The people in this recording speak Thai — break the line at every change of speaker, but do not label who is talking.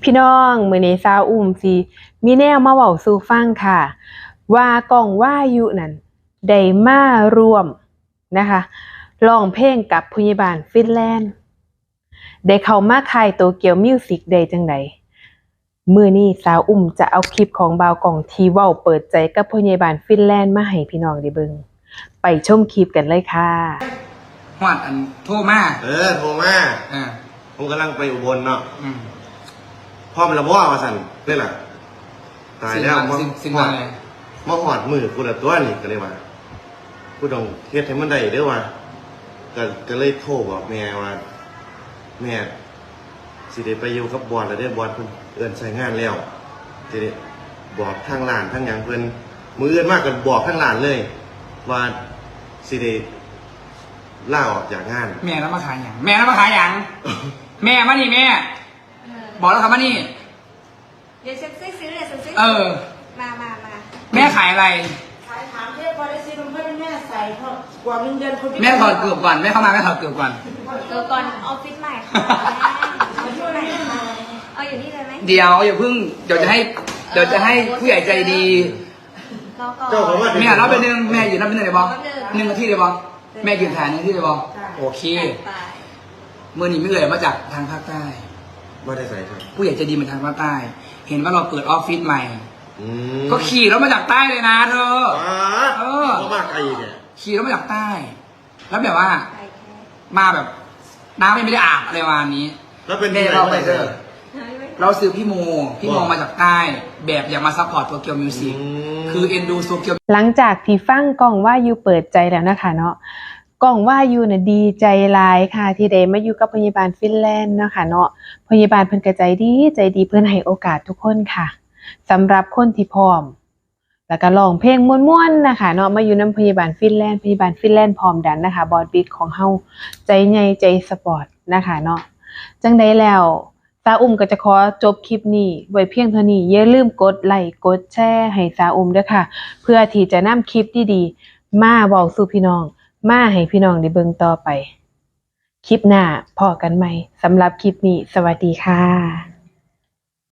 พี่น้องมื้อนี้สาวอุ้มสิมีแนวมาเว้าสู่ฟังค่ะว่าก้องวายุนั่นได้มาร่วมนะคะร้องเพลงกับพยาบาลฟินแลนด์ได้เข้ามาค่ายโตเกียวมิวสิกได้จังไดมื้อนี้สาวอุ้มจะเอาคลิปของบ่าวก้องที่เว้าเปิดใจกับพยาบาลฟินแลนด์มาให้พี่น้องได้เบิ่งไปชมคลิปกันเลยค่ะ
ฮอดอันโทรมา
โทรมาผมกำลังไปอุบลเนาะพ่อมันละว่าสั่นนี่แหละตายแล้ว
สิ่งอะไร
มาหอดมือกูละตัวนี่ก็เลยว่ากูต้องเฮ็ดให้มันได้เด้อว่าก็เลยโทรบอกแม่ว่าแม่สิได้ไปอยู่กับบอลแล้วเด้อบอลเพิ่นเอิ้นใช้งานแล้วสิได้บอกทางร้านทางหยังเพิ่นมื้ออื่นมากกันบอกทางร้านเลยว่าสิได้ลาออกจากงาน
แม่แล้วมาขายหยังแม่แล้วมาขายหยังแม่มานี่แม่บอกแล้วครับมานี่
เดี๋ยวฉันซื้อเลยฉันซื้อมา
แม่ขายอะไร
ขายถามเพื่อนพอได้ซื้อนมเพื่อนแม่ใส่เพราะกว่าเงินคน
แม่ถอดเกือบก่อนแม่เข้ามาแม่ถอดเกือบก่อน
ออฟฟิศใหม่ค่ะเอาที่ไหนมาเอาอยู่นี่เลยไหม
เดี๋ยวอย่าเพิ่งเดี๋ยวจะให้ผู้ใหญ่ใจดี
เจ้าของว่า
แม่รับไปนึงแม่อยู่รับไปนึงเลยบอ1 นาทีเลยบอแม่ยืนถ่าย1 นาทีเลยบอโอเคเมื่อนี้ไม่เลยมาจากทางภาคใต้
ไม่ได้ใส่ครับ
ผู้ใหญ่ใจดีมาทางภาคใต้เห็นว่าเราเปิดออฟฟิศใหม่ก็ขี่รถมาจากใต้เลยนะเธอ
เขามาไกลเนี่ย
ขี่รถมาจากใต้ แล้วแบบว่ามาแบบน้ำไม่ได้อาบอะไรวันนี้
แล้วเป็น
เราไปเจอเราซื้อพี่โมมาจากใต้แบบอยากมาซัพพอร์ตตัวเกียวมิวสิกคือเอ็นดูตัวเกียว
หลังจากที่ฟังก้องวายุเปิดใจแล้วนะคะเนาะก้องวายุน่ะดีใจหลายค่ะที่ได้มาอยู่กับพยาบาลฟินแลนด์เนาะค่ะเนาะพยาบาลเพิ่นก็ใจดีเพิ่นให้โอกาสทุกคนค่ะสำหรับคนที่พร้อมแล้วก็ร้องเพลงม่วนๆนะคะเนาะมาอยู่นำพยาบาลฟินแลนด์พร้อมดันนะคะบอสบิ๊กของเฮาใจใหญ่ใจสปอร์ตนะคะเนาะจังได๋แล้วสาวอุ้มก็จะขอจบคลิปนี้ไว้เพียงเท่านี้อย่าลืมกดไลค์กดแชร์ให้สาวอุ้มด้วยค่ะเพื่อที่จะนำคลิปดีๆมาเว้าสู่พี่น้องมาให้พี่น้องได้เบิ่งต่อไปคลิปหน้าพอกันใหม่สำหรับคลิปนี้สวัสดีค่ะ